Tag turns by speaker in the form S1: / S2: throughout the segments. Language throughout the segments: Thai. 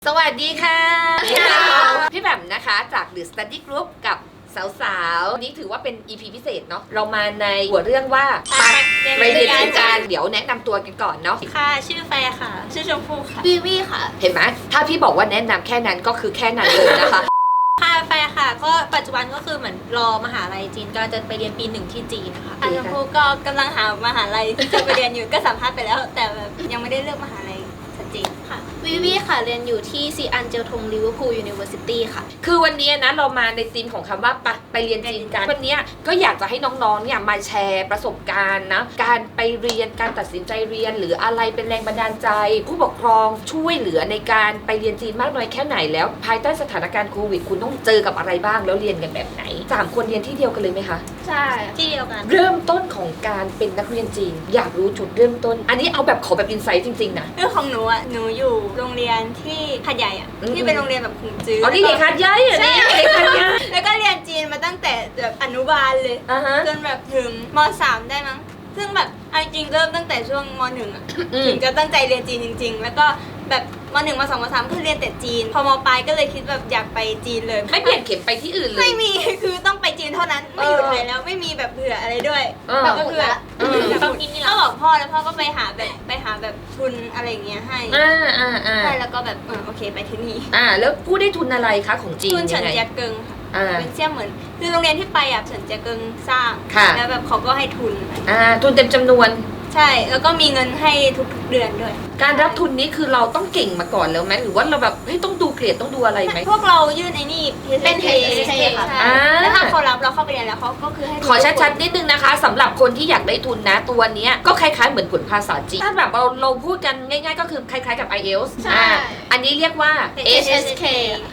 S1: สวัสดีค่ะพี่แบมนะคะจาก The Study Group กับสาวๆนี้ถือว่าเป็น EP พิเศษเนาะเรามาในหัวเรื่องว่าไปเรียนกันเดี๋ยวแนะนำตัวกันก่อนเนาะ
S2: ค่ะชื่อแฟร์ค่ะชื่อชมพู่ค่ะ
S3: วิวี่ค่ะ
S1: เห็นไหมถ้าพี่บอกว่าแนะนำแค่นั้นก็คือแค่นั้นเลยนะคะ
S2: ค่ะแฟร์ค่ะก็ปัจจุบันก็คือเหมือนรอมหาลัยจีนก็จะไปเรียนปี 1ที่จีนนะคะชมพู่ก็กำลังหามหาลัยที่จะไปเรียนอยู่ก็สัมภาษณ์ไปแล้วแต่แบบยังไม่ได้เลือกมหาลัยชัดเจนค่ะ
S3: วิวี่ค่ะเรียนอยู่ที่ซีอันเจลทงลิเวอร์พูลยูนิเวอร์ซิตี้ค่ะ
S1: คือวันนี้นะเรามาในธีมของคำว่าไปเรียนจีนกันวันนี้ก็อยากจะให้น้องๆเนี่ยมาแชร์ประสบการณ์นะการไปเรียนการตัดสินใจเรียนหรืออะไรเป็นแรงบันดาลใจผู้ปกครองช่วยเหลือในการไปเรียนจีนมากน้อยแค่ไหนแล้วภายใต้สถานการณ์โควิดคุณต้องเจอกับอะไรบ้างแล้วเรียนกันแบบไหน3คนเรียนที่เดียวกันเลยไหมคะ
S3: ใช่
S2: ที่เดียวกัน
S1: เริ่มต้นของการเป็นนักเรียนจีนอยากรู้จุดเริ่มต้นอันนี้เอาแบบขอแบบอินไซต์จริงๆนะ
S2: เรื่องของหนูอ่ะหนูอยู่โรงเรียนที่หัดใหญ่อ่ะที่เป็นโรงเรียนแบบขุนจื้อ
S1: อ๋อนี่เด็กหัดใหญ่อ่ะนี่เด็กหัดใหญ่
S2: แล้วก็เรียนจีนมาตั้งแต่แบบอนุบาลเลยจนแบบถึงม.3 ได้มั้งซึ่งแบบจริงเริ่มตั้งแต่ช่วงม.1อ่ะถึงจะตั้งใจเรียนจีนจริงๆแล้วก็แบบม.1 ม.2 ม.3 คือเรียนแต่จีนพอม.ปลายก็เลยคิดแบบอยากไปจีนเลย
S1: ไม่เปลี่ยนเข็มไปที่อื่นเลย
S2: ไม่มีคือต้องไปจีนเท่านั้นไม่อยู่ไทยแล้วไม่มีแบบเผื่ออะไรด้วย
S3: แบบ
S2: ก็คือก็บอกพ่อแล้วพ่อก็ไปหาแบบทุนอะไรเงี้ยให้ใช่แล้วก็แบบโอเคไปที่นี่
S1: แล้วผู้ได้ทุนอะไรคะของจีน
S2: ทุนเฉินเจียเกิงค่ะเป็นเสี่ยเหมือนคือโรงเรียนที่ไปเฉินเจียเกิงสร้างแล้วแบบเขาก็ให้ทุน
S1: ทุนเต็มจำนวน
S2: ใช่แล้วก็มีเงินให้ทุกเดือนด้วย
S1: การรับทุนนี้คือเราต้องเก่งมาก่อนแล้วไหมหรือว่าเราแบบต้องดูเกรดต้องดูอะไรไหม
S2: พวกเรายื่นไอ้นี่
S3: เป็น
S2: HSK ค่ะแล้วถ้าเขารับเราเข้าไปเรียนแล้วเขาก็คือให้
S1: ขอชัดๆนิดนึงนะคะสำหรับคนที่อยากได้ทุนนะตัวนี้ก็คล้ายๆเหมือนผลภาษาจีนถ้าแบบเราพูดกันง่ายๆก็คือคล้ายๆกับ IELTS อันนี้เรียกว่า
S2: HSK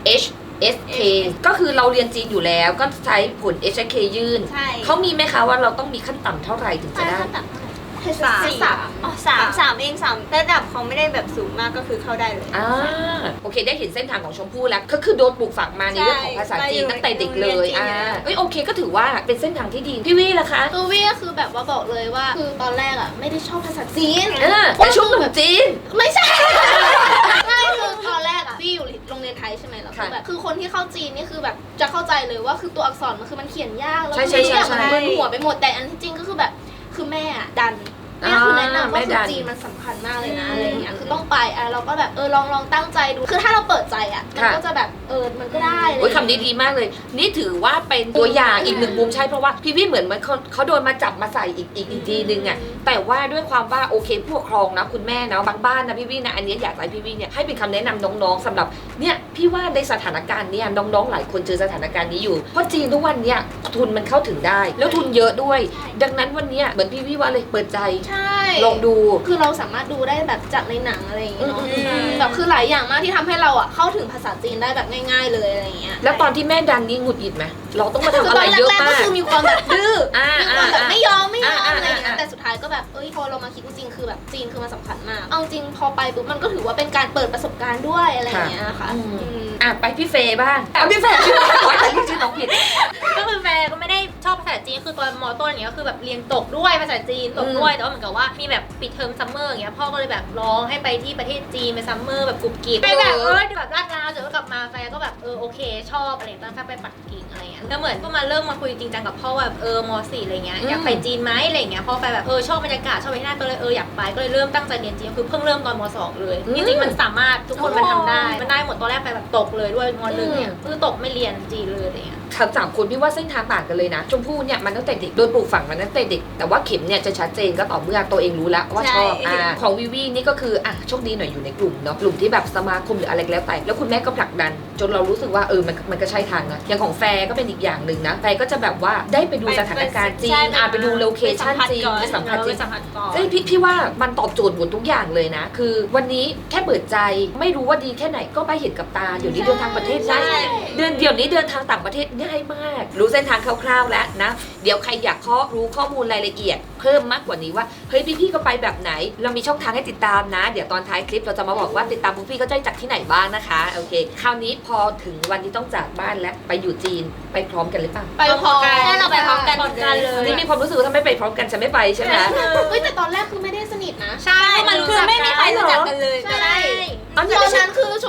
S1: HSK ก็คือเราเรียนจีนอยู่แล้วก็ใช้ผล HSK ยื่นเขามีไหมคะว่าเราต้องมีขั้นต่ำเท่าไหร่ถึงจะได้
S2: สามเองระดับเขาไม่ได้แบบสูงมากก็คือเข้าได้เลย
S1: โอเคได้เห็นเส้นทางของชมพู่แล้วก็คือโดนปลูกฝังมาในเรื่องของภาษาจีนตั้งแต่เด็กเลยโอเคก็ถือว่าเป็นเส้นทางที่ดีพี่วี่ล่ะคะ
S3: ตัววี่ก็คือแบบว่าบอกเลยว่าคือตอนแรกอ่ะไม่ได้ชอบภาษาจีน
S1: แต่ช่วงหนุ่มจีน
S3: ไม่ใช่ไม่คือตอนแรกอ่ะวี่อยู่โรงเรียนไทยใช่ไหมแล้วคือแบบคือคนที่เข้าจีนนี่คือแบบจะเข้าใจเลยว่าคือตัวอักษรมันเขียนยากแล้วทุกอย่างมันมึนหัวไปหมดแต่อันที่จริงก็คือแบบคือแม่ดันแม่คือแนะนำว่าคือจีนมันสำคัญมากเลยนะอะไรอย่างเงี้ยคือต้องไปเราก็แบบลองตั้งใจดูคือถ้าเราเปิดใจอ่ะมันก็จะแบบมันก็ได้
S1: เลยคำนี้ดีมากเลยนี่ถือว่าเป็นตัวอย่างอีกหนึ่งมุมใช่เพราะว่าพี่วี่เหมือนเขาโดนมาจับมาใส่อีกทีนึงอ่ะแต่ว่าด้วยความว่าโอเคผู้ปกครองนะคุณแม่นะบางบ้านนะพี่วี่นะอันนี้อยากให้พี่วี่เนี่ยให้เป็นคำแนะนำน้องๆสำหรับเนี่ยพี่ว่าในสถานการณ์เนี่ยน้องๆหลายคนเจอสถานการณ์นี้อยู่เพราะจีนทุกวันเนี่ยทุนมันเข้าถึงได้แล้วทุนเยอะด้วยดังนั้นวันนี้เหมือนพี่วี่ว่าเลยเปิดใจลองดู
S3: คือเราสามารถดูได้แบบจากในหนังอะไรอย่างเงี้ยเนาะแบบคือหลายอย่างมากที่ทำให้เราอ่ะเข้าถึงภาษาจีนได้แบบง่ายๆเลยอะไรอย่างเงี้ย
S1: แล้วตอนที่แม่ดันนี่หงุดหงิดไหมเราต้องมาทำอะไรเยอะมาก
S3: ก็คือมีความแบบดื้อมีความแบบไม่ยอมอะไรอย่างเงี้ยแต่สุดท้ายก็แบบพอเรามาคิดจริงๆคือแบบจีนคือมันสำคัญมากเอาจริงพอไปปุ๊บมันก็ถือว่าเป็นการเปิดประสบการณ์ด้วยอะไรอย่างเงี้ยค่ะ
S1: ไปพี่เฟย์บ้างพี่เฟย์ขอแต่ชื่อน้องผิด
S2: ก็คือแฟก็ไม่ได้ชอบภาษาจีนคือตอนม.ต้นอย่างเงี้ยก็คือแบบเรียนตกด้วยภาษาจีนตกด้วยแต่ว่าเหมือนกับว่ามีแบบปิดเทอมซัมเมอร์อย่างเงี้ยพ่อก็เลยแบบร้องให้ไปที่ประเทศจีนไปซัมเมอร์แบบกรุบกริบไปแบบแบบลาดลาวเดี๋ยวกลับมาแฟก็แบบโอเคชอบอะไรตอนแฟไปปักกิ่งอะไรเงี้ยแล้วเหมือนก็มาเริ่มมาคุยจริงจังกับพ่อแบบม.4 อะไรเงี้ยอยากไปจีนไหมอะไรเงี้ยพ่อไปแบบชอบบรรยากาศชอบไปที่นั่นก็เลยอยากไปก็เลยเริ่มตั้งใจเรียนจีนคือเพิ่งเริ่มตอนม.2 เลยจริงๆมันสามารถทุกคนมันทำได้มันได้หมดตอนแรกไปแบบตกเลยด้วยม.1 เนี่ยคือตกไม่เรียนจีนเลยอะไรเงี้ย
S1: สามคนพี่ว่าเส้นทางต่างกันเลยนะชมพู่เนี่ยมันตั้งแต่เด็กโดนปลูกฝังมาตั้งแต่เด็กแต่ว่าเข็มเนี่ยจะชัดเจนก็ต่อเมื่อตัวเองรู้แล้วว่าชอบของวิวี่นี่ก็คือโชคดีหน่อยอยู่ในกลุ่มเนาะกลุ่มที่แบบสมาคมหรืออะไรแล้วแต่แล้วคุณแม่ก็ผลักดันจนเรารู้สึกว่ามันก็ใช่ทางนะอย่างของแฟร์ก็เป็นอีกอย่างหนึ่งนะแฟร์ก็จะแบบว่าได้ไปดูสถานการณ์จีนไปดูโลเคชั่นจีนไปสัมผัสจีนพี่ว่ามันตอบโจทย์หมดทุกอย่างเลยนะคือวันนี้แค่เปิดใจไม่รู้ว่าดีแค่ไหนก็ไปเห็นกับตาเดี๋ยวนี้เดินทางประเทศได้เดี๋ยวนี้เดินทางต่างประเทศง่ายมากรู้เส้นทางคร่าวๆแล้วนะเดี๋ยวใครอยากรู้ข้อมูลรายละเอียดเพิ่มมากกว่านี้ว่าเฮ้ยพี่ๆก็ไปแบบไหนเรามีช่องทางให้ติดตามนะเดี๋ยวตอนท้ายคลิปเราจะมาบอกว่าติดตามพวกพี่ก็จะจากที่ไหนบ้างนะคะโอเคคราวนี้พอถึงวันที่ต้องจากบ้านแล้วไปอยู่จีนไปพร้อมกันหรือเปล่า
S3: ไปพร้อม
S2: กันเราไปพร้อมกัน
S1: เลยนี่มีความรู้สึกว่าถ้าไม่ไปพร้อมกันจะไม่ไปใช่ไหม
S3: แต่ตอนแรกคือไม่ได้สนิทนะ
S2: ใช่มันคือไม่มีใครรู้จักกันเลย
S3: ใช่ตอนนั้นคือชมพู่อยู่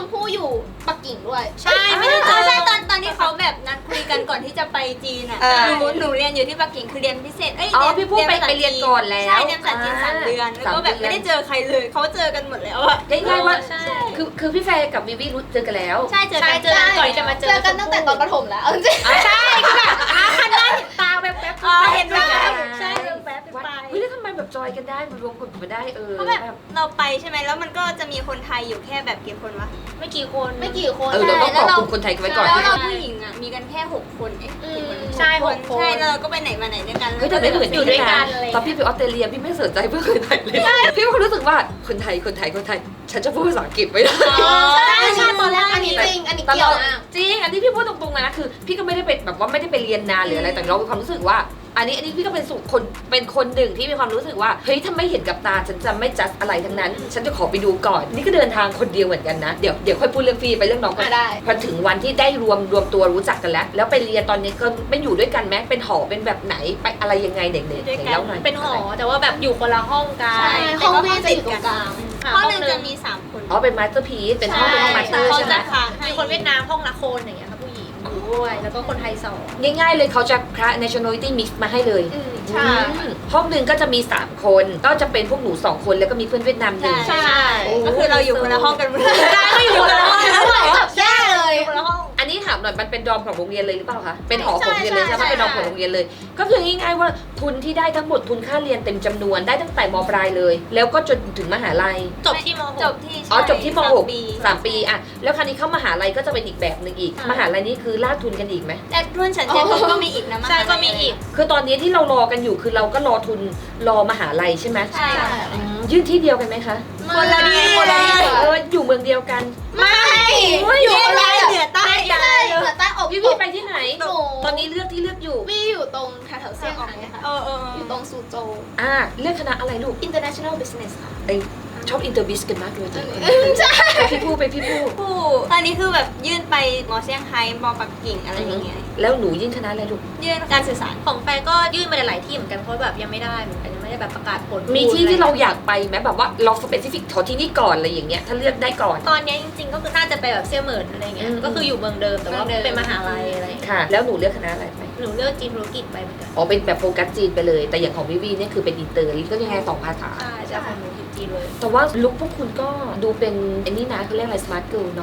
S3: ปักกิ่งด้วย
S2: ใช่ไม่ได้เจอ
S4: ใช่ตอนที่เขาแบบนัดคุยกันก่อนที่จะไปจีนอ่ะหนูเรียนอยู่ที่ปักกิ่งคือเรียนพิเศษ
S1: พี่พูดไปเรียนก่อนแล้ว
S4: ใช่เรียนภาษาจีน3 เดือนแล้วก็แบบไม่ได้เจอใครเลยเขาเจอกันหมดแล้วอ่ะ
S1: ง่ายๆว่า
S2: ใช่
S1: คือพี่แฟร์กับวิวีรู้เจอกันแล้ว
S4: ใช่เจอกัน
S2: เจอกันก่อนจะมาเจอ
S3: กันตั้งแต่ตอนประถมแล้วจริง
S2: ใช่คือแบบคันหน้าเห็นตาแวบๆ
S4: เห็นแบบ
S2: ใช่แวบๆไป
S1: เฮ้ยแล้วทำไมแบบจอยกันได้มันรวมกลุ่มกันได้
S4: เพราะแบบเราไปใช่ไหมแล้วมันก็จะมีคนไทยอยู่แค่แบบกี่คนวะ
S2: ไม่กี่คน
S3: ไม่กี่คน
S1: เราต้องขอบคุณคนไทยกันไว้ก่อน
S4: แล้วเราผู้หญิงอ่ะมีกันแค่6 คนกี่คน
S2: ใช่6 คน
S4: ใช่แล้วเราก็ไปไหนมาไหนด้วยกัน
S1: เฮ้ยแต่ไม่เหมือน
S2: อยู่ด้วยกันเลย
S1: ตอนพี่ไปออสเตรเลียพี่ไม่สนใจเพื่อนคนไทยเลยพี่ก็รู้สึกว่าคนไทยฉันจะพูดภาษาอังกฤษไม่ได้
S3: ใช่ตอนแรกอันนี้จริงอันนี้
S1: ต
S3: เกี่
S1: ล
S3: ยว
S1: อด
S3: มาก
S1: จริงอันนี้พี่พูดตรงๆนะคือ พี่ก็ไม่ได้เป็นแบบว่าไม่ได้ไปเรียนนานหรืออะไรแต่เรามีความรู้สึกว่า อันนี้พี่ก็เป็นสุคนเป็นคนหนึ่งที่มีความรู้สึกว่าเฮ้ยถ้าไม่เห็นกับตาฉันจะไม่จัดอะไรทั้งนั้น ฉันจะขอไปดูก่อนนี่ก็เดินทางคนเดียวเหมือนกันนะเดี๋ยวค่อยพูดเรื่องฟรีไปเรื่องน้องกัน
S3: ได้
S1: พอถึงวันที่ได้รวมตัวรู้จักกันแล้วไปเรียนตอนนี้ก็ไม่อยู่ด้วยกันไหมเป็นหอเป็นแบบไหนไปอะไรยังไงเด็กๆ
S4: ด้วยกัน
S1: แล้วหน่อย
S2: เป็นหอแต่ว่าแบบอยู่คนละห้องกัน
S3: ใช่ห้องวีจะอยู่ตรงกลาง
S4: ห้องหนึ่งจะมี3 คน
S1: อ๋อเป็นมาสเตอร์พีซเป็นห้องเป็นห้องมาสเตอร์
S4: เขา
S1: ใช่ไหม
S4: จะค้างให้
S2: มีคนเวียดนามห้องละคนอย่างเงี้ยค่ะผู้หญิงอยู่ด้วยแล้วก็คนไทย2
S1: ง่ายๆเลยเขาจะคละ nationality mix มาให้เลย
S3: ใช่
S1: ห้องหนึ่งก็จะมี3 คนก็จะเป็นพวกหนู2 คนแล้วก็มีเพื่อนเวียดนามหนึ่ง
S4: ใช่ก็คือเราอยู่คนละห้องกันหมดเลย
S2: ก็อยู่คนละห้อง
S3: แย่เลย
S2: คนละห้อง
S1: อันนี้ถามหน่อยมันเป็นดอมของโรงเรียนเลยหรือเปล่าคะเป็นหอของโรงเรียนเลย
S3: ใช่
S1: ใช่ไหมเป็นดอมของโรงเรียนเลย ก็คือง่ายๆว่าทุนที่ได้ทั้งหมดทุนค่าเรียนเต็มจำนวนได้ตั้งแต่มปลายเลย แล้วก็จนถึงมหาลัย
S2: จบที่ม
S4: จบที่
S1: อ๋อจบที่ม
S4: 3 ปี
S1: .6 3 ปีอะแล้วคราวนี้เข้ามหาลัยก็จะเป็นอีกแบบหนึ่งอีก มหาลัยนี้คือลากทุนกันอีกไหม
S4: แต่รุ่นฉันเจนก็มีอีกนะ
S2: ใช่ก็มีอีก
S1: คือตอนนี้ที่เรารอกันอยู่คือเราก็รอทุนรอมหาลัยใช่ไหม
S4: ใช่
S1: ยื่นที่เดียวกันไหมคะ
S4: คนละที่
S1: อยู่เมืองเดียวกัน
S3: ไม่อยู่คนละ
S4: เหนือใต้
S3: ใช่เหนือใต้อบ
S1: พี่พี่ไปที่ไหน
S3: หนู
S1: ตอนนี้เลือกที่เลือกอยู่
S3: วี่อยู่ตรงแถวๆเซี่ยงไฮ้ค่ะ อยู่ตรงซูโจว
S1: เลือกคณะอะไรลูก
S3: International Business ค่ะ
S1: ไอชอบอินเตอร์บิสกันมากเลย
S3: ใช่
S1: ไปพี่ผู้ไปพี่ผู้
S4: ผู้ตอนนี้คือแบบยื่นไปมอเซี่ยงไฮ้มอปักกิ่งอะไรอย่างเงี้ย
S1: แล้วหนูยื่นคณะอะไรลูก
S4: ยื่นการสื่อสาร
S2: ของแฟนก็ยื่นมาหลายที่เหมือนกันเพราะแบบยังไม่ได้เหมือนกันยังไม่ได้แบบประกาศผล
S1: มีที่ที่เราอยากไปไหมแบบว่าเราสเปซิฟิกขอที่นี่ก่อนอะไรอย่างเงี้ยถ้าเลือกได้ก่อน
S2: ตอนนี้จริงๆก็คือน่าจะไปแบบเซี่ยเหมินอะไรเงี้ยก็คืออยู่เมืองเดิมแต่ว่าเป็นมหาลัยอะไร
S1: ค่ะ แล้วหนูเลือกคณะอะไรไป
S2: หนูเลือกจีนธุรกิจไปเหมือนกัน
S1: อ๋อเป็นแบบโฟกัสจีนไปเลย แต่อย่างของวิวีเนี่ยคือเป็นอินเตอร์ก็ยังไง2 ภาษา
S2: ใช่จะของหนูคือจีนเลย
S1: แต่ว่าลุคพวกคุณก็ดูเป็นไอ้นี่นะเขาเรียกอะไรสมาร์ทเกิร์ลเนาะ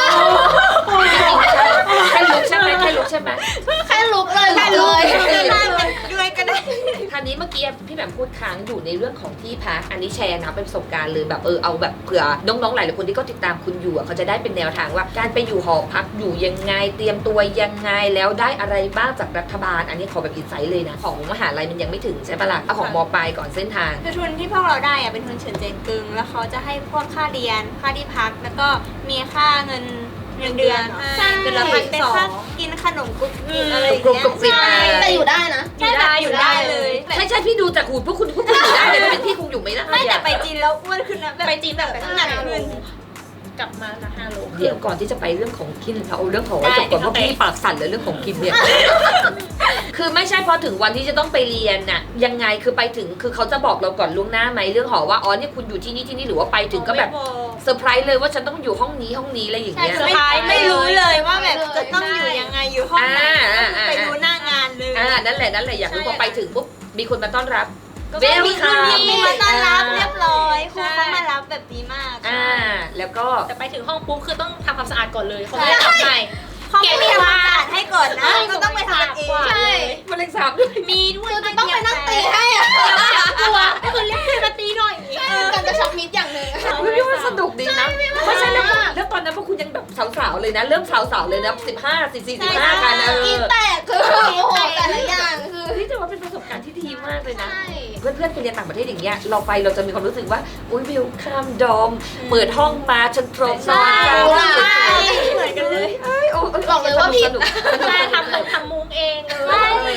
S1: แค่ลุคใช่ไหมแค่ลุคใช่ไหม
S3: แค่ลุกเลยแค่เลย
S4: ด้วยก็ได้
S1: คราวนี้เมื่อกี้พี่แหม่มพูดค้างอยู่ในเรื่องของที่พักอันนี้แชร์นะเป็นประสบการณ์เลยแบบเอาแบบเผื่อน้องๆหลายๆคนที่ก็ติดตามคุณอยู่อะเขาจะได้เป็นแนวทางว่า การไปอยู่หอพักอยู่ยังไงเตรียมตัวยังไงแล้วได้อะไรบ้างจากรัฐบาล อันนี้ขอแบบอินไซต์เลยนะของมหาลัยมันยังไม่ถึงใช่ปะล่ะเอาของมปลายก่อนเส้นทาง
S4: คือทุนที่พวกเราได้อะเป็นทุนเฉินเจินกึงแล้วเขาจะให้พวกค่าเรียนค่าที่พักแล้วก็มีค่าเงินเดือน
S2: ใช่เป็นละ1,200
S4: เป็นค่ากินขนมกุ๊กกิ๊กอะไรอย่าง
S1: กรุบ
S4: เงี้ย
S1: กรุบกริบ
S4: ใช่
S3: แต่อยู่ได้นะ
S4: ใช่แบบอยู่ได้เลย
S1: ใช่พี่ดูจากหูพวกคุณอยู่ได้เลยถ้าเป็นพี่คงอยู่ไม่ได้
S4: ไม่แต่
S1: อะ
S4: ไปจีนแล้วอ้วนขึ้นนะแบบ
S2: ไปจีนแบบ
S4: น้ำหนักขึ้น
S2: กลับมาละ5 โล
S1: เดี๋ยวก่อนที่จะไปเรื่องของกินเราเอาเรื่องของไว้จบก่อนเพราะพี่ปากสั่นเลยเรื่องของกินเนี่ย คือไม่ใช่พอถึงวันที่จะต้องไปเรียนน่ะยังไงคือไปถึงคือเขาจะบอกเราก่อนล่วงหน้าไหมเรื่องหอว่าอ๋อเนี่ยคุณอยู่ที่นี่หรือว่าไปถึงก็แบบเซอร์ไพรส์เลยว่าฉันต้องอยู่ห้องนี้อะไรอย่าง
S4: ใช่
S1: เงี้ย
S4: คือไม่รู้เลยว่าแบบจะต้องอยู่ยังไงอยู่ห้องไหนไปดูหน้างานเลย
S1: นั่นแหละอยากรู้พอไปถึงปุ๊บมีคนมาต้อนรับ
S4: มีรุ่นพี่มาต้อนรับเรียบร้อยครูเขามารับแบบดีมาก
S1: แล้วก็
S2: แต่ไปถึงห้องปุ๊บคือต้องทำความสะอาดก่อนเลยเขาไม่ได้ทำใหม่
S4: เขาไม่มีความสะอาดให้ก่อนนะก็ต้องไปทำกันเอง
S3: ใช่
S1: มันเล็กสามด้วย
S2: มีด้วย
S3: คือจะต้องไปนั่งตีให้อะ
S2: กลัวก็คือเรียกเพื่อนมาตีหน่อย
S3: การจะชักมิดอย่างหนึ่ง
S1: พี่ว่าสนุกดีนะไม่ใช่แล้วตอนนั้นพวกคุณยังแบบสาวๆเลยนะเริ่มสาวๆเลยนะ15 14 15กันนะ
S3: กินแตกคือโอ้โหแต่ละอย่างคือ
S1: นี่จะว่าเป็นประสบการณ์ที่ดีมากเลยนะ
S3: ใช่
S1: เพื่อนๆไปเรียนต่างประเทศอย่างเงี้ยเราไปเราจะมีความรู้สึกว่าอุ้ยวิวข้ามดอมเปิดห้องมาฉันพร้อมนอนกัน
S3: ใช่
S4: เหมือนกันเลย
S3: บอกเลยว่าผิด
S1: สนุก
S2: ใช่ทำมุ้งเองเลย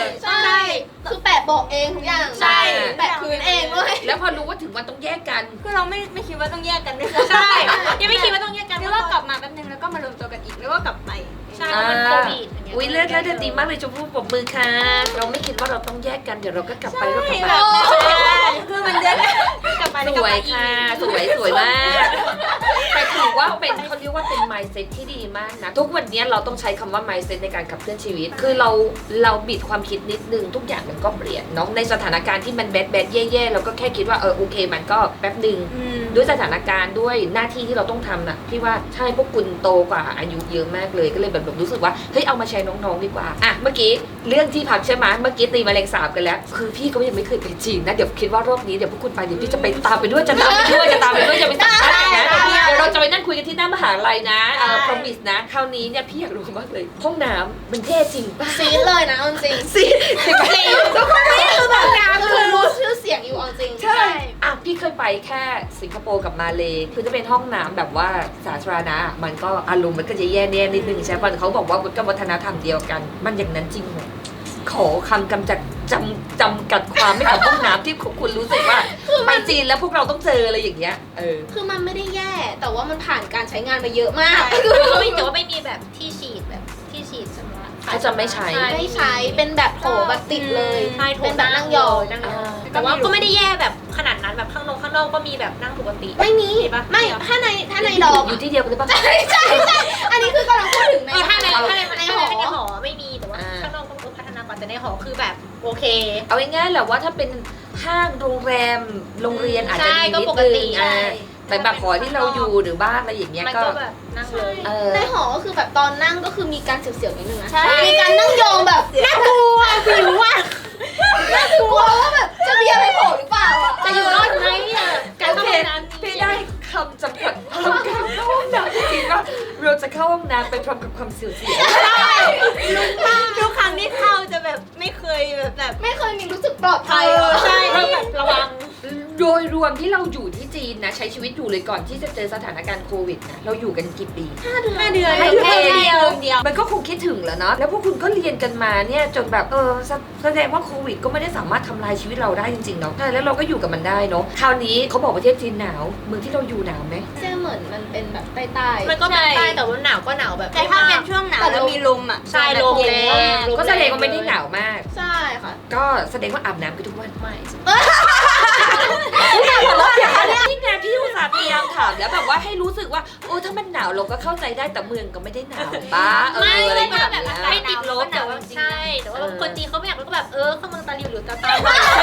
S3: ใช่ คือแปะบอกเองทุกอย่าง
S1: ใช่
S3: แปะพื้นเองด้วย
S1: แล้วพอรู้ว่าถึงวันต้องแยกกัน
S4: คือเราไม่คิดว่าต้องแยกกันด้วย
S2: ใช่ยังไม่คิดว่าต้องแยกกัน
S4: นึกว่ากลับมาแป๊บนึงแล้วก็มารวมตัวกันอีกแล้วก็กลับไป
S2: ใช่เพราะมันโควิดอย่างเงี้ย
S1: อุ้ยเลิศดีมากเลยชมพู่ปรบมือค่ะ เราไม่คิดว่าเราต้องแยกกันเดี๋ยวเราก็กลับไปแล้วกลับ
S4: แบบ
S1: มา
S4: คือมันเดือนกลับไป
S1: สวยค่ะ สวยมากแต่ถือว่าเป็นเขาเรียกว่าเป็น mindset ที่ดีมากนะทุกวันนี้เราต้องใช้คำว่า mindset ในการขับเคลื่อนชีวิต คือเราบิดความคิดนิดนึงทุกอย่างมันก็เปลี่ยนเนาะในสถานการณ์ที่มันแบดแย่ๆเราก็แค่คิดว่าโอเคมันก็แป๊บหนึ่งด้วยสถานการณ์ด้วยหน้าที่ที่เราต้องทำนะพี่ว่าใช่พวกคุณโตกว่าอายุเยอะมากเลยก็เลยแบบรู้สึกว่าเฮ้ยเอามาใช้น้องๆดีกว่าอ่ะเมื่อกี้เรื่องที่พักใช่ไหมเมื่อกี้ตีแมลงสาบกันแล้วคือพี่ก็ยังไม่เคยไปจีนนะเดี๋ยวคิดว่ารอบนี้เดี๋ยวพวกคุณไปเดี๋ยวพี่จะไปตามไปด้วยจะตามไปด้วยจะไปสัมภาษณ์นะเดี๋ยวเราจะไปนั่งคุยกันที่หน้ามหาลัยนะpromise นะคราวนี้เนี่ยพี่อยากรู้มากเลยห้องน้ำมันเท่จริงป่ะ
S3: ซีดเลยนะเอาจริง
S1: สิทุกคนนี่คือแบบงาน
S3: คือรู้ชื่อเสียงอยู่เอาจริง
S1: ใช่อ่ะพี่เคยไปแค่สิงคโปร์กับมาเลคือจะเป็นห้องน้ำแบบว่าสาธารณะมันก็อารมณ์มันก็จะแย่นิดนึงใช่ป่ะเขาบอกว่ามันก็วัฒนธรรมเดียวกัน มันอย่างนั้นจริงเหรอขอคำกำจัดจำกัดความไม่กับห้องน้ำที่คุณรู้สึกว่าไปจีนแล้วพวกเราต้องเจออะไรอย่างเงี้ย
S3: คือมันไม่ได้แย่แต่ว่ามันผ่านการใช้งานมาเยอะมาก
S2: คือเขาไม่แต่ว่าไม่มีแบบที่ฉีดสำหรับ
S1: เขาจะไม่ใช้
S3: ไม่ใช้เป็นแบบโถแบบติดเลย
S2: ใช่โถ
S3: เป็นแบบนั่งยอง
S2: แต่ว่าก็ไม่ได้แย่แบบขนาดนั้นแบบข้างนอกก็มีแบบนั่งปกติ
S3: ไม่มี
S2: ปะ
S3: ไม่ถ้าในดอม
S1: อยู่ที่เดียวกันหรือเปล่า
S3: ใช่อันนี้คือกำลังพูดถึงใน
S2: ถ้าใน
S3: ใน
S2: ห
S3: ห
S2: อ
S3: อ
S2: ไม่มีแต่ว่าข้างนอกต้องพัฒนาก่อนแต่ในหอคือแบบโอเค
S1: เอาง่ายๆแหละว่าถ้าเป็นห้างโรงแรมโรงเรียนอาจจะดีนิด
S2: ก็ปก
S1: นึ
S2: ติ
S1: งแต่แบบหอที่เราอยู่หรือบ้านอะไรอย่างเงี้ย
S2: มัน
S1: ก็
S2: ก็แบบนั่งเลย
S3: ในหอก็คือแบบตอนนั่งก็คือมีการเสียวๆนิดนึงนะ
S4: ใช่
S3: มีการนั่งยองแบบน่ากลัวผิวอ่ะน่ากลัวว่าแบบจะมีอะไรโผล่หรือเปล่าอ่ะ
S2: จะอยู่รอดไหมอ่ะการเข้าห้องน้ำ
S1: พี่ได้คำจำกัดความการเข้าห้องน้ำจริงๆว่าเราจะเข้าห้องน้ำไปพร้อมกับความเสียว
S4: ทุกครั้งที่เข้าจะแบบไม่เคยแบบ
S3: ไม่เคยมีรู้สึกปลอดภัย
S4: ใช่
S2: เราแบบระวัง
S1: โดยรวมที่เราอยู่ที่จีนนะใช้ชีวิตอยู่เลยก่อนที่จะเจอสถานการณ์โควิดนะเราอยู่กันกี่ปี
S4: 5 เดือน
S1: 5
S4: แค่เดียว
S1: มันก็คงคิดถึงแล้วเนาะแล้วพวกคุณก็เรียนกันมาเนี่ยจนแบบแสดงว่าโควิดก็ไม่ได้สามารถทำลายชีวิตเราได้จริงๆเนาะใช่แล้วเราก็อยู่กับมันได้เนาะคราวนี้เขาบอกประเทศจีนหนาวเมืองที่เราอยู่หนาวไหม
S3: เจ๊เหมือนมันเป็นแบบใต้
S2: มันก็แบบใต้แต่ว่าหนาวก็หนาวแบบ
S4: แต่ถ้าเป็นช่วงหนาวแล้วมีลมอ่ะ
S2: ใช่ลมแรง
S1: ก็แสดงว่าไม่ได้หนาวมาก
S3: ๆใช่ค่ะ
S1: ก็แสดงว่าอาบน้ำกันทุกวัน
S2: ไม่
S1: นี่ไงพี่อุตส่าห์พยายามถามแล้วแบบว่าให้รู้สึกว่าถ้ามันหนาวเราก็เข้าใจได้แต่เมืองก็ไม่ได้หนาวป้าอะไร
S2: ไม่
S1: แบบ
S2: แบบ
S1: เนี้ย
S2: ไม่ติดลบแต่ว่าใช่แต่ว่าคนจีนเขาไม่อยากรู้ก็แบบเข้าเมืองตาหลิวหรือตาตา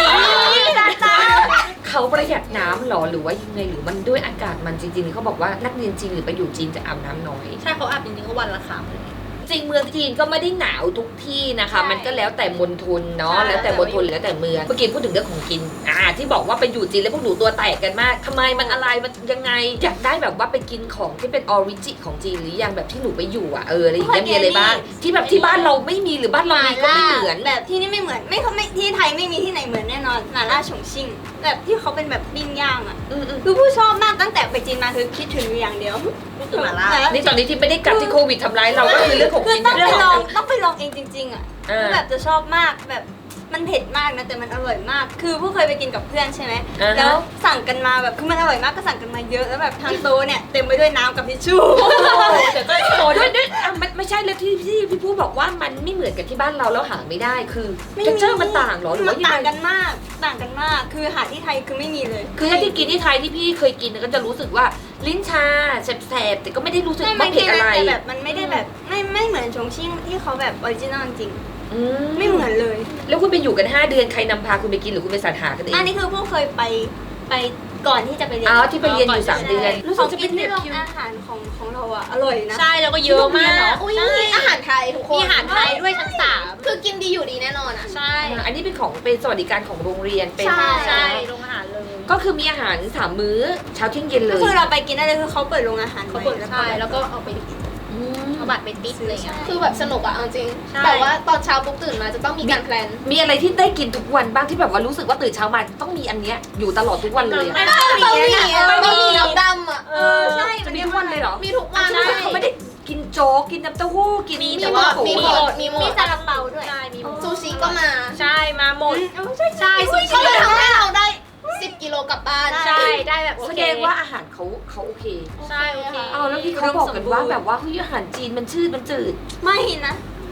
S1: เขาประหยัดน้ำหรอหรือว่ายังไงหรือมันด้วยอากาศมันจริงๆเขาบอกว่านักเรียนจีนหรือไปอยู่จีนจะอาบน้ำน้อย
S2: ใช่เขาอาบจริงๆก็วันละครั้ง
S1: จริงเมืองจีนก็ไม่ได้หนาวทุกที่นะคะ
S2: ใช่
S1: มันก็แล้วแต่มณฑลเนาะ
S2: ใช่
S1: แล้วแต่มณฑลแล้วแต่เมืองเมื่อกี้พูดถึงเรื่องของกินที่บอกว่าไปอยู่จีนแล้วพวกหนูตัวแตกกันมากทำไมมันอะไรมันยังไงอยากได้แบบว่าไปกินของที่เป็นออริจิของจีนหรือยังแบบที่หนูไปอยู่อะไรอย่างเงี้ยมีอะไรบ้างที่แบบที่บ้านเราไม่มีหรือบ้านเรามีก็ไม่เหมือน
S4: แบบที่นี่ไม่เหมือนไม่ที่ไทยไม่มีที่ไหนเหมือนแน่นอนหม่าล่าฉงชิ่งแบบที่เขาเป็นแบบปิ้งย่างอ่ะคือผู้ชอบมากตั้งแต่ไปจีนมาคือคิดถึงอยู่อย่างเดียวคือหม่าล่า
S1: นี่ตอนนี้ที่ไม่ได้กลับที่โควิดทำร้ายเราก็คือเรื่องของ
S4: คือ
S1: กิน
S4: ต้อง
S1: เรื่
S4: ไป
S1: อง
S4: ล
S1: ข
S4: อ
S1: อง ง
S4: ต้องไปลองเองจริงๆอ่ะคือแบบจะชอบมากแบบมันเผ็ดมากนะแต่มันอร่อยมาก คือผู้เคยไปกินกับเพื่อนใช่ไหมแล้วสั่งกันมาแบบคือมันอร่อยมากก็สั่งกันมาเยอะแล้วแบบทางโต๊ะเนี่ยเต็มไปด้วยน้ำกับทิชชู่
S1: แต่ก็โอ้ด้วยไม่ใช่เลยที่พี่พูดบอกว่ามันไม่เหมือนกับที่บ้านเราแล้วหาไม่ได้คือเท็กเจอร์มันต่างเหรอหรือ
S4: มั
S1: ว่าน ยัง
S4: ต่าง
S1: ไง
S4: กันมากต่างกันมากคือหาที่ไทยคือไม่มีเลย
S1: คือถ้าที่กินที่ไทยที่พี่เคยกินก็จะรู้สึกว่าลิ้นชาแสบๆแต่ก็ไม่ได้รู้สึก
S4: ไม่
S1: ว่าเผ็ดอะไร
S4: แต่แบบมันไม่ได้แบบไม่เหมือนชงชิ่งที่เขาแบบออริจินอลจริง
S1: ไม่
S4: ไม่
S1: เห
S4: เห
S1: มื
S4: มื
S1: อน
S4: อนเลย
S1: แล้วคุณไปอยู่กัน5 เดือนใครนำพาคุณไปกินหรือคุณไปสรรหากันเอง
S4: อันนี้คือพวกเคยไปก่อนที่จะไปเรียน
S1: ที่ไปเรียนอยู่3 เดือนรู้สึ
S4: ข
S1: ก
S4: อง
S1: จะ
S4: กิ
S1: เป็น น
S4: ที่
S1: แบบ
S4: โรงอาหารของเราอะอร่อยนะ
S2: ใช่แล้วก็เยอะมาก
S3: อุ้ย
S2: ใช่
S3: อาหารไทยทุกคน
S2: มีอาหารไทยด้วยชั้น
S3: คือกินดีอยู่ดีแน่นอนอ่ะ
S2: 3ใช่
S1: อันนี้เป็นของเป็นสวัสดิการของโรงเรียนเป็น
S2: ใช่โรงอาหารเลย
S1: ก็คือมีอาหาร3 มื้อเช้าเที่ยงเย็นเล
S4: ก็
S1: ย
S4: คือเราไปกินได้เลยคือเขาเปิดโรงอาหาร
S2: เขาเปิด
S4: ใหม่
S2: ใช่แล้วก็เอาไปเอาบัตรไปติ๊กอะไรเงี้ย
S3: คือแบบสนุกอะเอาจริง
S2: ใช่
S3: แต่ว่าตอนเช้าปุ๊บตื่นมาจะต้องมีการแพลน
S1: มีอะไรที่ได้กินทุกวันบ้างที่แบบว่ารู้สึกว่าตื่นเช้ามาต้องมีอันเนี้ยอยู่ตลอดทุกวันเลยอะ
S3: บะหมี่น้ำดำอะ
S4: ใช่
S1: จะมีทุกวันเลยเหรอ
S3: มีทุกวัน
S1: ใช่เขาไม่ได้กินโจ๊กกินน้ำเต้าหู้กิน
S2: มี
S1: แต่
S2: แต่
S1: ว่า
S2: ว่า
S1: โอ้โห
S3: มีหมด
S4: มีซาลาเปาด้วย
S2: ใช่มีหมด
S3: ซูชิก็มา
S2: ใช่มาหมด
S4: ใช่
S2: ใช่ซู
S3: ก็
S2: ชิ
S3: เลยทำให้เราได้ 10 กิโลกลับบ้าน
S2: ใช่ได้แบบโอ
S1: แส
S2: เค
S1: ดงว่าอาหารเขาโอเค
S2: ใช่โอเค
S1: เอาแล้วที่เขาบอกกันว่าแบบว่าเฮ้ยอาหารจีนมันชืดมันจืด
S4: ไม่นะ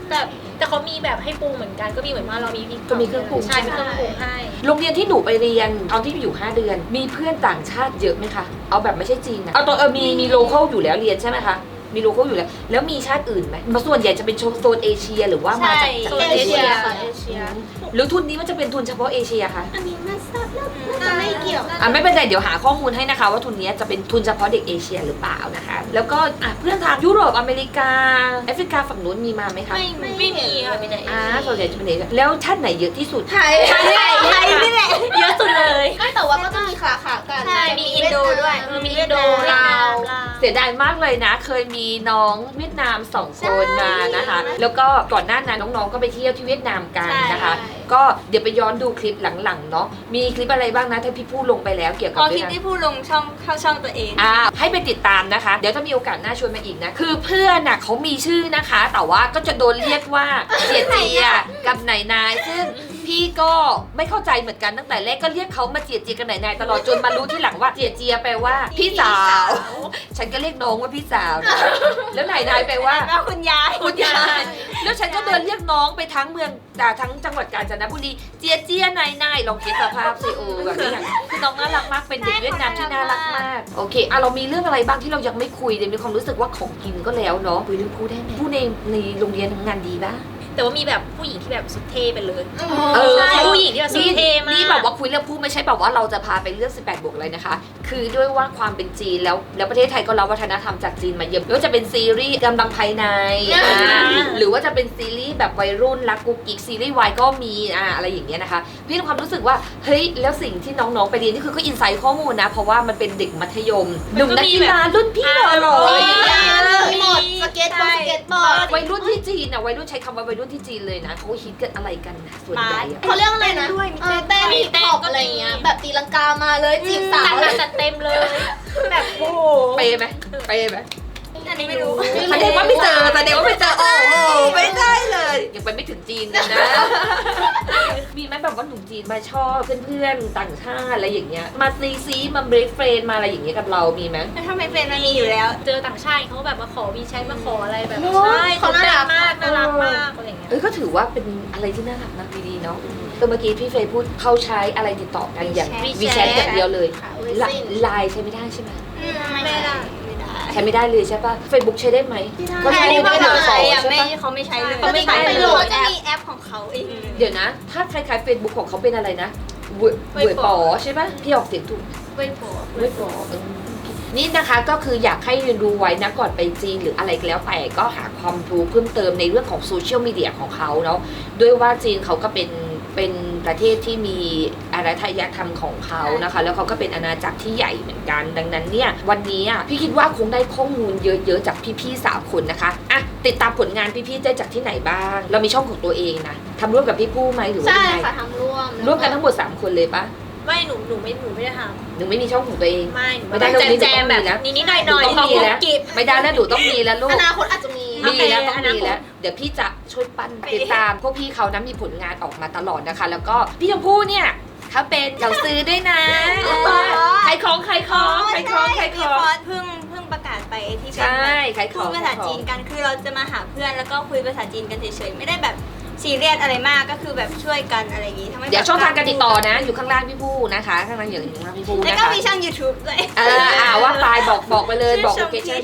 S2: แต่เขามีแบบให้ปรุงเหมือนกันก็มีเหมือนว่าเรามีพริก
S1: ก็มีเครื่องปรุง
S2: ใช่มีเครื่องปรุงให้
S1: โรงเรียนที่หนูไปเรียนตอนที่อยู่ 5 เดือน มีเพื่อนต่างชาติเยอะไหมคะ เอาแบบไม่ใช่จีนนะเอาตัวมีโลเคอลอยู่แล้วเรียนใช่ไหมคะ มีโลเคอลอยู่แล้ว แล้วมีชาติอื่นไหมมาส่วนใหญ่จะเป็นโซนเอเชียหรือว่ามาจาก
S2: โซน
S3: เอ
S2: เอ
S3: เชี
S2: เชี
S3: ย
S2: ย
S3: ค่ะเอเชีย
S1: หรือทุนนี้มันจะเป็นทุนเฉพาะเอเชียคะ
S3: อันนี้ไม่ทราบแล้วน่าจะไม่เกี่ยว
S1: ไม่เป็นไรเดี๋ยวหาข้อมูลให้นะคะว่าทุนนี้จะเป็นทุนเฉพาะเด็กเอเชียหรือเปล่านะคะ แล้วก็เพื่อนทางยุโรปอเมริกาแอฟริกาฝั่งนู้นมีมาไหมคะ
S2: ไม่มีค่ะมีแต่เอเชีย
S1: ส่วนใหญ่จะเป็นเอเชียแล้วชาติไหนเยอะที่สุด
S3: ไทย
S4: ไทยนี่แหละ
S2: เยอะสุดเลย
S3: ไม่แต่ว่าก็จะมีขากัน
S4: ใช่มีอินโดด้วย
S2: มีอินโดลาว
S1: เสียดายมากเลยนะ เคยมีน้องเวียดนาม2 คนมานะคะ แล้วก็ก่อนหน้านั้นน้องๆก็ไปเที่ยวที่เวียดนามกันนะคะ ก็เดี๋ยวไปย้อนดูคลิปหลังๆเนาะ มีคลิปอะไรบ้างนะที่พี่พูดลงไปแล้วเกี่ยวกับ
S4: พอค
S1: เวี
S4: ลิ
S1: ย
S4: ป
S1: ดนาม
S4: ที่พูดลงช่องเข้าช่องตัวเอง
S1: ให้ไปติดตามนะคะ เดี๋ยวถ้ามีโอกาสหน้าชวนมาอีกนะ คือเพื่อนน่ะเขามีชื่อนะคะ แต่ว่าก็จะโดนเรียกว่าเจียเจียกับไหนนาย ซึ่งพี่ก็ไม่เข้าใจเหมือนกันตั้งแต่แรกก็เรียกเขามาเจียเจียกับไหนนายตลอดจนมารู้ที่หลังว่าเจียเจียแปลว่าพี่สาว ฉันก็เรียกน้องว่าพี่สาวนะแล้วไหนนายแปลว่า
S4: แล้วคุณยาย
S1: คุณยายแล้วฉันก็เดินเรียกน้องไปทั้งเมืองทั้งจังหวัดกาญจนบุรีเจียเจียนายลองคิดสภาพสิแบบนี้คือน้องน่ารักมากเป็นเด็กเวียดนามที่น่ารักมากโอเคเรามีเรื่องอะไรบ้างที่เรายังไม่คุยเดี๋ยวมีความรู้สึกว่าของกินก็แล้วเนาะคุยเรื่องพูดได้ไหมพูดในโรงเรียนทำงานดีป่ะ
S2: แต่ว่ามีแบบผู้หญิงที่แบบสุดเท่ไปเลย
S1: ใช่
S2: ผู้หญิงที่แบบสุดเท่มาก
S1: นี่แบบว่าคุยเรื่องพูดไม่ใช่แบบว่าเราจะพาไปเรื่อง18บวกอะไรนะคะ คือด้วยว่าความเป็นจีนแล้วประเทศไทยก็รับวัฒนธรรมจากจีนมาเยอะไม่ว่าจะเป็นซีรีส์กำลังภายในหรือว่าจะเป็นซีรีส์แบบวัยรุ่นรักกุ๊กกิ๊กซีรีส์วายก็มีอะไรอย่างเงี้ยนะคะพี่มีความรู้สึกว่าเฮ้ยแล้วสิ่งที่น้องๆไปเรียนนี่คือก็อินไซต์ข้อมูลนะเพราะว่ามันเป็นเด็กมัธยมหนุ่มนักกีฬารุ่นพี่หล่อๆ
S3: มีหมดสเก็ตบอร์ด
S1: วัยรุ่นที่จีนวัยรุ่นใช้คำว่าวัยรุ่นที่จีนเลยนะเขาฮิตกันอะไรกันนะส่วนใหญ่
S3: เขาเรียกอะไรนะเต้นฮิปฮอปอะไรเงี้ยแบบตีลังกามาเลยจีบสาว
S2: แต่จัดเต็มเลย แบบโอ้โห
S1: เปย์ไหม
S4: อันนี้ไม่รู้
S1: แสดงว่าไม่เจอโอ้โหไม่ได้เลยยังไปไม่ถึงจีนกันนะ มีไหมแบบว่าหนุ่มจีนมาชอบเพื่อนๆต่างชาติอะไรอย่างเงี้ยมาซีมาเบรกเฟรนมาอะไรอย่างเงี้ยกับเรามีไหม
S4: ถ้าไม่เป็นมันมีอยู่แล้ว
S2: เจอต่างชาติเขาแบบมาขอวีแชทมาขออะไรแบบ
S1: เนอะ
S2: ใช่เขาน่ารักมากน่ารักมากอะไรอย่างเงี้ย
S1: ก็ถือว่าเป็นอะไรที่น่ารักนะดีๆเนาะเมื่อกี้พี่เฟย์พูดเขาใช้อะไรติดต่อกันอย่าง
S2: WeChat
S1: วีแชทอย่างเดียวเลย
S3: ค่ะ
S1: ไลน์ใช้ไม่ได้ใช่ไหม
S2: ไม่ได้
S1: ใช้ไม่ได้เลยใช่ป่ะ Facebook ใช้ได้ไหมก็
S4: แต่
S1: ใช้
S4: อันนี้
S1: ไม่
S4: เขา
S1: ได้
S4: ใช้
S1: ใช่
S4: อะไม่
S1: ปะ
S4: เขาไม่ใช้เลย
S2: เขาไม่ใช้
S3: ไป
S2: เล
S3: โหล
S2: ย
S3: ด
S4: จะ
S3: แอป
S4: มีแอปของเขาเอง
S1: เดี๋ยวนะ ถ้าคล้ายๆ Facebook ของเขาเป็นอะไรนะเว่ยป๋อใช่ป่ะพี่ออกเสียงถูก
S4: เว้ยโผ
S1: เว่ยป๋อนี่นะคะก็คืออยากให้เรียนรู้ไว้นะก่อนไปจีนหรืออะไรก็แล้วแต่ก็หาความรู้เพิ่มเติมในเรื่องของโซเชียลมีเดียของเขาเนาะด้วยว่าจีนเขาก็เป็นประเทศที่มีอารยธรรมของเขานะคะแล้วเขาก็เป็นอาณาจักรที่ใหญ่เหมือนกันดังนั้นเนี่ยวันนี้พี่คิดว่าคงได้ข้อมูลเยอะๆจากพี่ๆ3 คนนะคะติดตามผลงานพี่ๆได้จากที่ไหนบ้างเรามีช่องของตัวเองนะทำร่วมกับพี่ผู้ไหมหรือว่า
S3: ใช่
S1: ยังไง
S3: ค่ะทำร่วม
S1: ร่วมกันทั้งหมด3 คนเลยปะ
S2: ไม่หนูไม่ได้ท
S1: หนูไม่มีช่องของตัวเอง
S2: ำไม่หนู
S1: ไม่ได้
S2: แจมแบบ
S1: หนูต้องมีนะ
S2: นิดๆหน่อย
S1: หนู
S2: ๆ
S1: ต้องมีแล้ว
S2: กิบ
S1: ไม่ได้แล้วหนูต้องมีแล้วลู
S3: อก นาคตอาจจะมี
S1: มีแล้วต้อง
S2: อนา
S1: มี
S2: คต
S1: แล้วเดี๋ยวพี่จะช่วยปั้นติดตามพวกพี่เขานะมีผลงานออกมาตลอดนะคะ แล้วก็พี่ชมพู่เนี่ยเขาเป็นเจ้าซื้อด้วยนะขายของ
S4: มีคอร์สเพิ่งประกาศไปที่เป็น
S1: ใช่ขายข
S4: พู
S1: อ
S4: ด
S1: ง
S4: ภาษาจีนกันคือเราจะมาหาเพื่อนแล้วก็คุยภาษาจีนกันเฉยๆไม่ได้แบบซีเรียสอะไรมากก็คือแบบช่วยกันอะไรอย่างงี้ทำให้
S1: เดี๋ยวช่องทางการติดต่อนะ อยู่ข้างล่างพี่ผู้นะคะข้างล่างอย่างข้างล่างพี่ผู้
S4: แล้ว
S1: นะ
S4: ก็
S1: คะ
S4: มีช่อง YouTube ด้วย
S1: ว่าไปบอกไปเลยบอกโลเคชั่น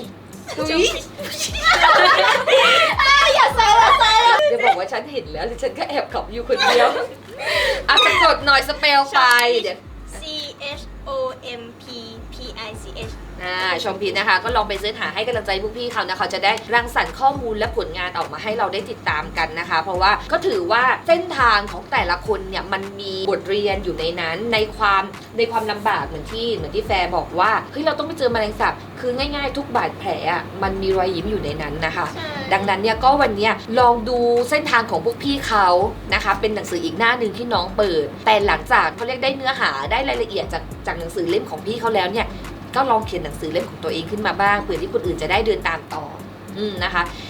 S3: อย่าใส่ละใส่ละ
S1: จะบอกว่าฉันเห็นแล้วฉันก็แอบขับอยู่คนเดียวสะกดหน่อยสเปลไปเดี๋ยว
S4: CHOMPPICH
S1: ชมพีนะคะก็ลองไปเสิร์ชหาให้กำลังใจพวกพี่เขานะคะจะได้รังสรรค์ข้อมูลและผลงานออกมาให้เราได้ติดตามกันนะคะ เพราะว่าก็ถือว่าเส้นทางของแต่ละคนเนี่ยมันมีบทเรียนอยู่ในนั้นในความลำบากเหมือนที่แฟร์บอกว่าเฮ้ยเราต้องไปเจอแมลงสาบคือง่ายๆทุกบาดแผลอ่ะมันมีรอยยิ้มอยู่ในนั้นนะคะ ดังนั้นเนี่ยก็วันเนี้ยลองดูเส้นทางของพวกพี่เขานะคะเป็นหนังสืออีกหน้าหนึ่งที่น้องเปิด แต่หลังจากเขาเรียกได้เนื้อหาได้รายละเอียดจากหนังสือเล่มของพี่เขาแล้วเนี่ยก็ลองเขียนหนังสือเล่มของตัวเองขึ้นมาบ้างเพื่อที่คนอื่นจะได้เดินตามต่อนะคะ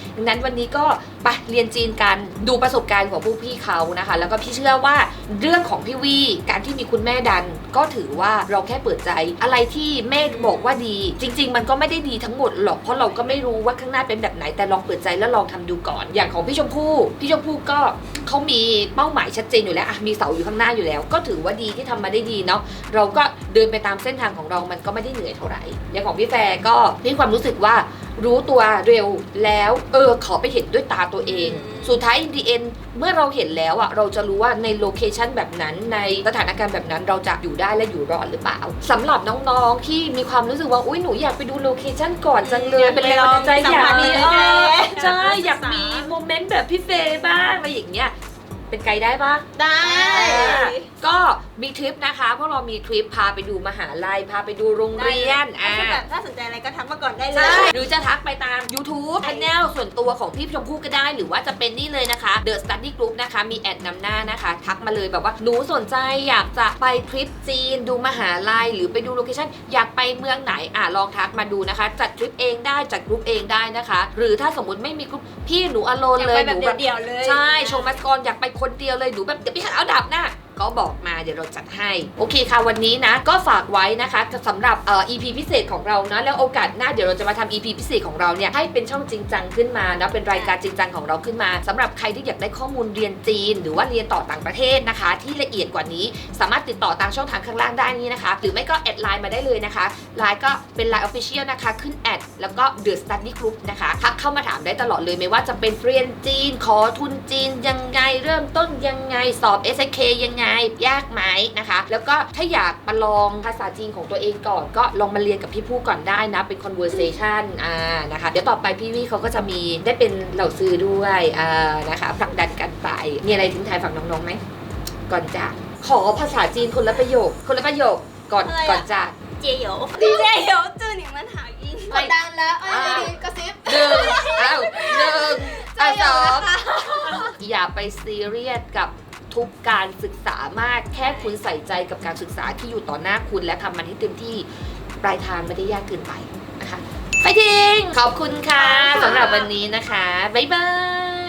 S1: ดังนั้นวันนี้ก็ไปเรียนจีนกันดูประสบการณ์ของพวกพี่เขานะคะแล้วก็พี่เชื่อว่าเรื่องของพี่วีการที่มีคุณแม่ดันก็ถือว่าเราแค่เปิดใจอะไรที่แม่บอกว่าดีจริงๆมันก็ไม่ได้ดีทั้งหมดหรอกเพราะเราก็ไม่รู้ว่าข้างหน้าเป็นแบบไหนแต่ลองเปิดใจแล้วลองทำดูก่อนอย่างของพี่ชมพู่ก็เขามีเป้าหมายชัดเจนอยู่แล้วอะมีเสาอยู่ข้างหน้าอยู่แล้วก็ถือว่าดีที่ทำมาได้ดีเนาะเราก็เดินไปตามเส้นทางของเรามันก็ไม่ได้เหนื่อยเท่าไหร่อย่างของพี่แฟร์ก็มีความรู้สึกว่ารู้ตัวเร็วแล้วขอไปเห็นด้วยตาตัวเองสุดท้าย in the end เมื่อเราเห็นแล้วอะเราจะรู้ว่าในโลเคชันแบบนั้นในสถานการณ์แบบนั้นเราจะอยู่ได้และอยู่รอดหรือเปล่าสำหรับน้องๆที่มีความรู้สึกว่าอุ้ยหนูอยากไปดูโลเคชันก่อนจังเลยเป็นแรงบันดาลใจอยากมีใช่อยากมีโมเมนต์แบบพี่เฟย์บ้างอะไรอย่างเงี้ยเป็นไกด์ได้ปะ
S3: ได้
S1: ก็มีทริปนะคะพวกเรามีทริปพาไปดูมหาลัยพาไปดูโรงเรียน
S4: ถ้าแบบถ้าสนใจอะไรก็ทักมาก่อนได้เล
S1: ใช่
S4: ย
S1: หรือจะทักไปตาม YouTube Channel ส่วนตัวของพี่ชมพู่ก็ได้หรือว่าจะเป็นนี่เลยนะคะ The Study Group นะคะมีแอดนำหน้านะคะทักมาเลยแบบว่าหนูสนใจอยากจะไปทริปจีนดูมหาลัยหรือไปดูโลเคชั่นอยากไปเมืองไหนลองทักมาดูนะคะจัดทริปเองได้จัดกรุ๊ปเองได้นะคะหรือถ้าสมมติไม่มีกรุ๊ปพี่หนูอโลนเลย
S4: อยากไปแบบเดี่ยวๆเลย
S1: ใช่โชว์มัสกรอยากไปคนเดียวเลยหนูแบบเดี๋ยวพี่เอาดับหน้าก็บอกมาเดี๋ยวเราจัดให้โอเคค่ะวันนี้นะก็ฝากไว้นะคะสำหรับEP พิเศษของเรานะแล้วโอกาสหน้าเดี๋ยวเราจะมาทำ EP พิเศษของเราเนี่ยให้เป็นช่องจริงจังขึ้นมานะเป็นรายการจริงจังของเราขึ้นมาสำหรับใครที่อยากได้ข้อมูลเรียนจีนหรือว่าเรียนต่อต่างประเทศนะคะที่ละเอียดกว่านี้สามารถติดต่อตามช่องทางข้างล่างได้นี่นะคะหรือไม่ก็แอดไลน์มาได้เลยนะคะไลน์ก็เป็น Line Official นะคะขึ้นแอดแล้วก็ The Study Group นะคะทักเข้ามาถามได้ตลอดเลยไม่ว่าจะเป็นเรียนจีนขอทุนจีนยังไงเริ่มต้นยังไงสอบ SK ยังไงยากไหมนะคะแล้วก็ถ้าอยากมาลองภาษาจีนของตัวเองก่อนก็ลองมาเรียนกับพี่ผู้ก่อนได้นะเป็น conversation นะคะเดี๋ยวต่อไปพี่วี่เขาก็จะมีได้เป็นเหล่าซื้อด้วยนะคะผลักดันกันไปมีอะไรทิ้งท้ายฝากน้องๆไหมก่อนจากขอภาษาจีนคนละประโยคก่อน
S4: อะไรอะ
S1: ก่อนจาก
S2: เจโย
S4: เดี๋ยวจื้อหนิมันหาอิน
S3: กดดันแล้วดีๆกระซิบ
S1: หนึ่งสอง
S3: นะคะ
S1: อย่าไปซีเรียสกับทุกการศึกษามากแค่คุณใส่ใจกับการศึกษาที่อยู่ต่อหน้าคุณและทำมันให้เต็มที่ปลายทางไม่ได้ยากเกินไปนะคะไปทิ้งขอบคุณค่ะสำหรับวันนี้นะคะบ๊ายบาย